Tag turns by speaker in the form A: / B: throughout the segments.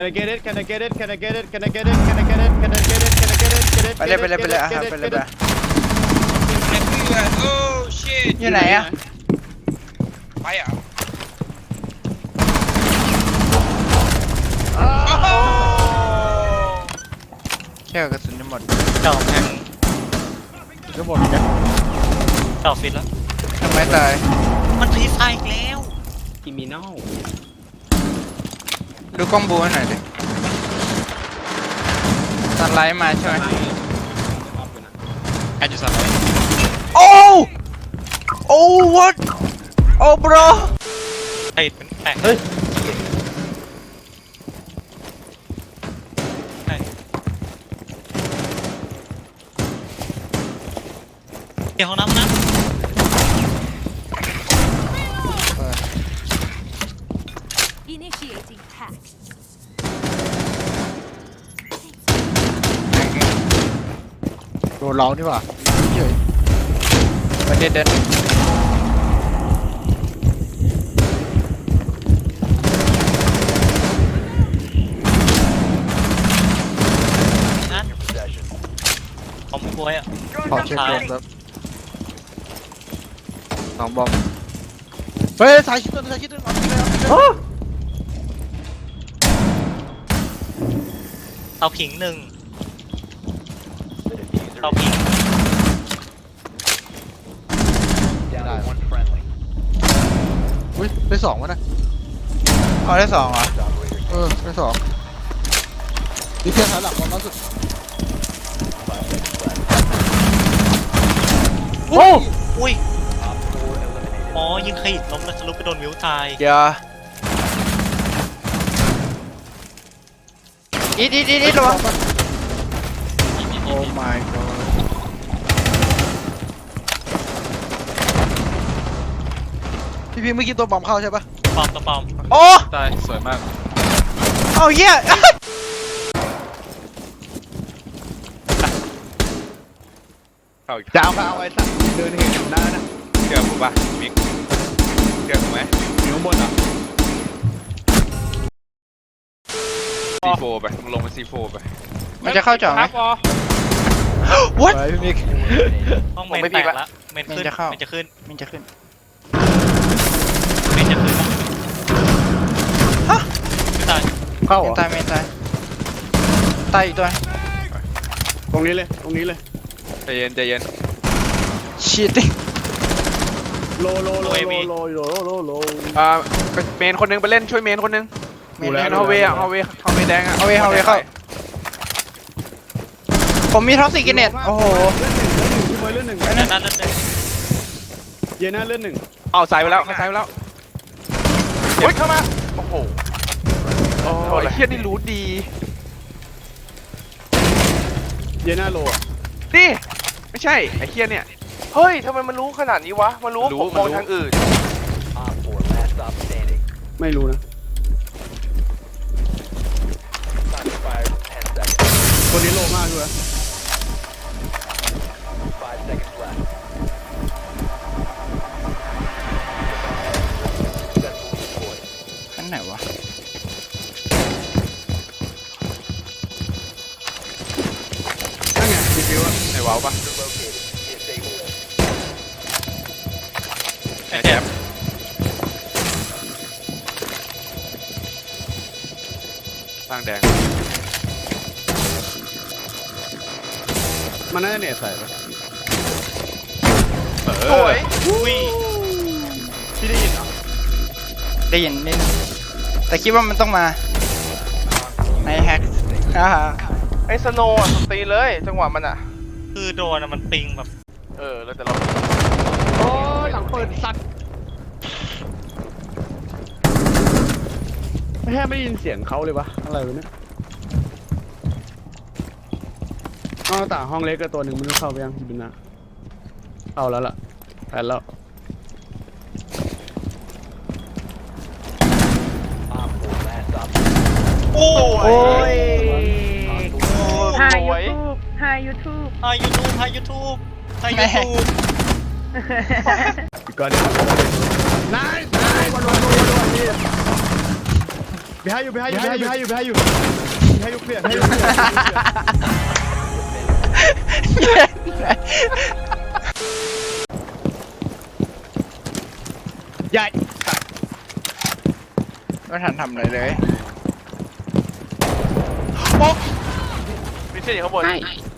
A: Can I get it? Can I get it? Can I get it? Can I get it? Can I get it? Can I get it? Can I get it? Get it?
B: ไปเลยไปเลยไปเลยไปเลยไป
C: โอ้ชิต
B: อยู่ไหนอะ
C: ไปอ่ะ
B: แค่กระสุนจะหมด
D: เจ้าแทง
A: ก็หมดกัน
D: เจ้าฟิตแล้ว
B: ทำไมตาย
D: มันฟรีไฟอีกแล้ว
A: คิมินอล
B: ดูกล้องบูให้หน่อยดิตัดไลท์มาใช่ไหม
D: ใครจะสั่ง
B: โอ้โอ้ what โอ้ bro
D: ไอ้เป็นแตก
A: เฮ้ย
D: ใช่เดี๋ยวห้องน้ำนะ
E: Initiating hack.
A: โดนเรานี่หว่าเฉย
B: ประเด็นเดิน
D: นั่นคอมบวยอ่ะ
A: ขอเช็ค
D: ซ้าย
A: บอมครับสองบอมเฮ้ยสายชิดตัวสายชิดตัวเอาไปเลยเอาไปเลย
D: เตาผิงหนึ่งเตาผิง
A: ได้อุ้ยได้สองวะนะ
B: เอาได้สองเหรอ
A: ได้สองนี่เพียงถอยหลังบอมล่าสุดโอ้
D: อุ้ยอ๋อยิงขยิบล้มแล้วทะลุไปโดนมิวตาย
B: เดี๋ยวอีดระวัง
A: โอ้ my god พี่เมื่อกี้ตัวบอมเข้าใช่ปะ
D: ปอมตัวปอม
B: โอ้
A: ตายสวยมาก
B: เอาเหี้ย
A: จะเอาไปเอาไอ้สัตว์เดินเห็นอยู่หน้านะ
C: เชื่อผมป่ะมิกเชื่อผมไหม
A: อยู่ข้างบนอ่ะ
C: C4 ไปมึงลงมา C4 ไป
B: มันจะเข้าจ่อไหม
A: what พี่มิก
D: ห้องเม
C: ผม
D: น
C: ไม่
D: แต
C: พี
D: ก
C: กละ
D: ละเมนขึ้น
B: เมนจะเข้า
D: เมนจะขึ้น
B: มันจะขึ้น
D: เมนจะขึ้น
B: ฮะ
D: ไม่ตาย
A: เข้า
B: เมนตายเมนตายตายอีกตัว
A: ตรงนี้เลยตรงนี้เลย
C: ใจเย็นใจเย็น
B: ชีตติ้ง
A: โลโลโลโลโลโลโลโล
C: เมนคนนึงไปเล่นช่วยเมนคนนึง
B: เมน
C: เมนฮาวเวย์อะฮาวเวย์แดงอะ
B: เอาเวเข้าผมมีท็อปสิกินเน็ตโอ้โห
A: พี่เมย์เลื่อนหนึ่ง
D: เดี๋ยวนั้นเลย
A: เย็นหน้าเลื่อนหนึ่ง
C: เอาใส่ไปแล้วเขาใส่ไปแล้วเฮ้ยเข้ามาโอ้โหโอ้ยเฮียนี่รู้ดี
A: เย็นหน้าโลอ่ะ
C: นี่ไม่ใช่ไอ้เฮียเนี่ยเฮ้ยทำไมมันรู้ขนาดนี้วะมันรู้ผมมองทางอื่น
A: ไม่รู้นะคนนี้โลมากด้วย
B: ขั้นไหนวะ
A: นั่นไงดีฟิวอะ
C: ไอ้ว้าวปะ
D: ไอ้แถบ
C: ร่างแดง
A: มันน่าจะเน็ตใส่ปะ
C: สวย
D: อุ้ย
A: พี่ได้ยินเหรอ
B: ได้ยินนิดนึงแต่คิดว่ามันต้องมาในแฮกฮ่าฮ่า
C: ไอ้สโนว์ตีเลยจังหวะมันอ่ะ
D: คือโดนอะมันปิงแบบ
C: แล้วแต่เรา
A: โอ้ยหลังเปิดสัตว์ไม่แค่ไม่ได้ยินเสียงเขาเลยวะอะไรวะเนี่ยอ๋อต่างห้องเล็กก็ตัวหนึ่งไม่รู้เข้าไปยังพี่บินนะเข้าแล้วล่ะแผนแล้ว
D: โอ้
C: โอ้ย
E: Hi
C: สวย
E: YouTube Hi YouTube
D: ไฮยูทูบไฮยูทูบไฮยูทูบ
A: อีกก่อนเดี๋ยวนายวัน behind you behind you behind you behind you behind you behind you clear behind you clear ใหญ่
B: ไม่ทันทำอะไรเลย
C: มีเส้นอยู่ข้างบน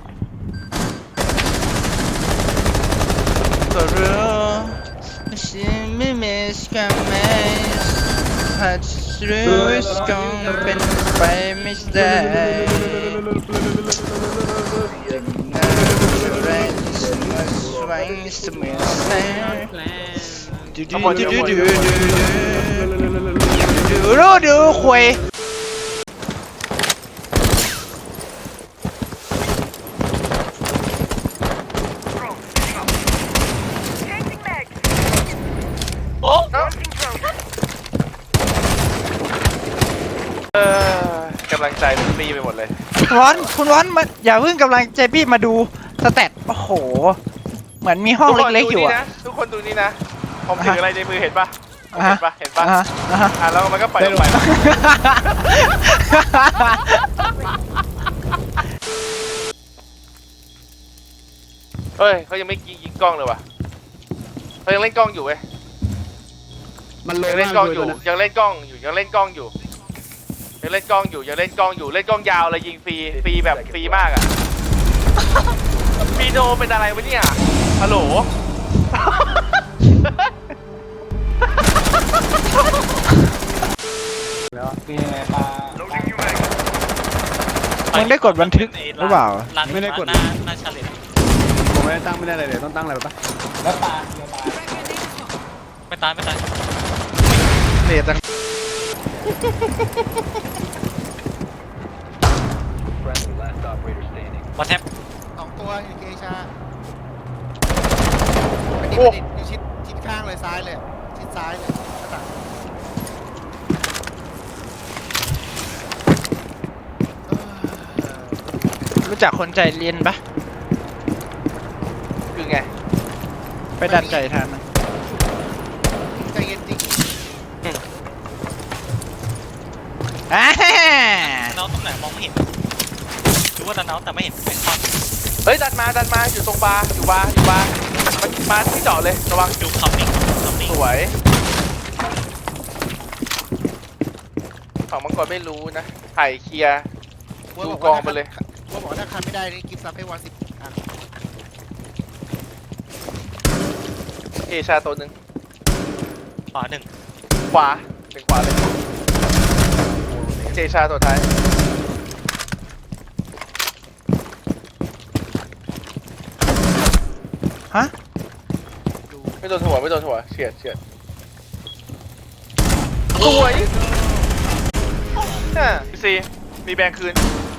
B: ตัวเรือฉันไม่มีสกัมเมสหากจะรู้สกัมเป็นไปไม่ได้ยังน่าจะแรงฉันมาสวายเสมอแสงดูควย
C: กำลังใจมันฟรีไปหมดเลย
B: คุณวอนมาอย่าเพิ่งกำลังใจพี่มาดูสแตทโอ้โหเหมือนมีห้องเล็กๆอยู่อะ
C: ทุกคนดูนี่นะผมถืออะไรในมือเห็นปะเห็นปะเห็นปะ
B: อ่ะ
C: แล้วมันก็ปล่อยลงไปเฮ้ยเขายังไม่ยิงกล้องเลยว่ะเขายังเล่นกล้องอยู่เว้ย
A: มันลง
C: ยังเล่นกล้องอยู่ยังเล่นกล้องอยู่ยังเล่นกล้องอยู่ยังเล่นกล้องอยู่ยังเล่นกล้องอยู่เล่นกล้องยาวเลยยิงฟรีแบบฟรีมากอ่ะฟีโดเป็นอะไรวะเนี่ยฮัลโหล
A: แล้ว
B: มึงได้กดบันทึกหรือเปล่า
A: ไม่ได้กด
D: หน้าชาเลนจ์
A: ผมไม่ได้ตั้งไม่ได้อะไรเลยต้องตั้งอะไรปะ
D: ไม่ตาย
B: เสียจัง
D: มาแท็บ
F: 2 ตัวอยู่เกชา
C: โอ้
F: อยู่ชิดข้างเลยซ้ายเลยชิดซ้ายเลยหน้าต่าง
B: รู้จักคนใจเรียนปะ
C: คือไง
B: ไปดันใจทันนะ
F: ใจเย็นจริง
B: อ่า
D: เนาตรงไหนมองไม่เห็นรู้ว่าดันเนาแต่ไม่เห็นเป็นความ
C: เฮ้ยดันมาอยู่ตรงบาร์อยู่บาร์มันมาที่จอดเลยระวัง
D: ดูคัมมิ่ง
C: สวยฝั่งมังกรไม่รู้นะไถ่เคลียร์
F: ว่า
C: ดู
F: บอก
C: กอง
F: ว่า
C: ไปเลย
F: ว่าบอกว่าถ้าคันไม่ได้นี่กิฟต์ซับให้วัน10 อัน
C: เอชาตัวหนึ่ง
D: ขวาหนึ่ง
C: ขวาเป็นขวาเลยเจชาตัวท้าย
B: ฮะ
C: ไม่โดนหัวเฉียดสวยซีมีแบงคืน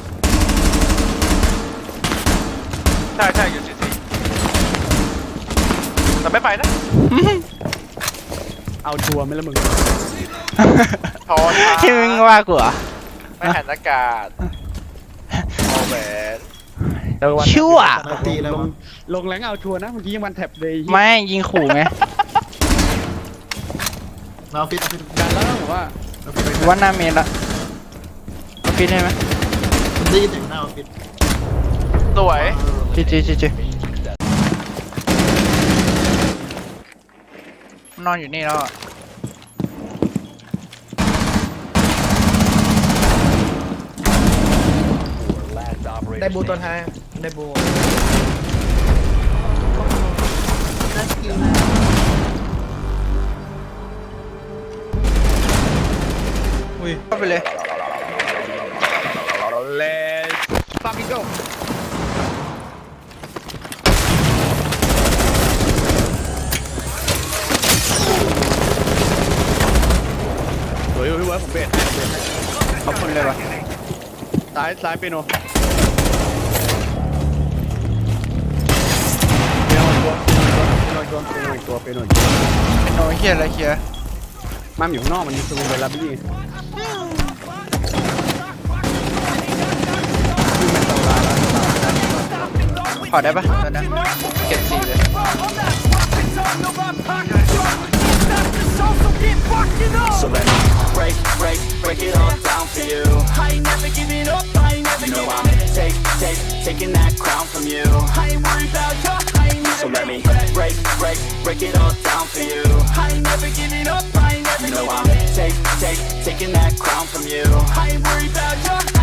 C: ใช่อยู่ซีแต่ไม่ไปนะ
A: เอาชัวร์ไหมล่ะมึง
C: ทอน
B: ที่มึงว่ากูเหรอ
C: ไม่หันอากาศเอาแหวน
B: ชั่ว
A: ลงแรงเอาชัวร์นะเมื่อกี้ยังวันแท็บเลย
B: ไม่ยิงขู่ไง
F: เราฟิต
A: ดันแล้วผมว่า
B: ว่าหน้าเมนละเอาฟิตได้ไหม
F: ได้ยินเสียงหน้าฟิต
C: สวย
B: จีนอนอยู่นี่แล้วอะ
F: ได้บูตัวท้ายได้บู
B: เข้าไปเลย
A: Let's fucking go สวยพี่เวิร์ดผมเบรดให้
B: ขอบคุณเลยว่ะ
A: ซ้ายเปียโนเปียโนอีกตัว
B: เป็นโนเฮียอะไรเฮีย
A: มันอยู่ข้างนอกมันมีซูมไปรับพี่
B: ขอได้ปะตอนนั้นเก็บ4เลย
G: So let me break it all down for you. I ain't never giving up, I ain't never giving up. Taking that crown from you. I ain't worried about you, I ain't never. So let me break it all down for you. I ain't never giving up, I ain't never giving up. I'm taking that crown from you. I ain't worried about you.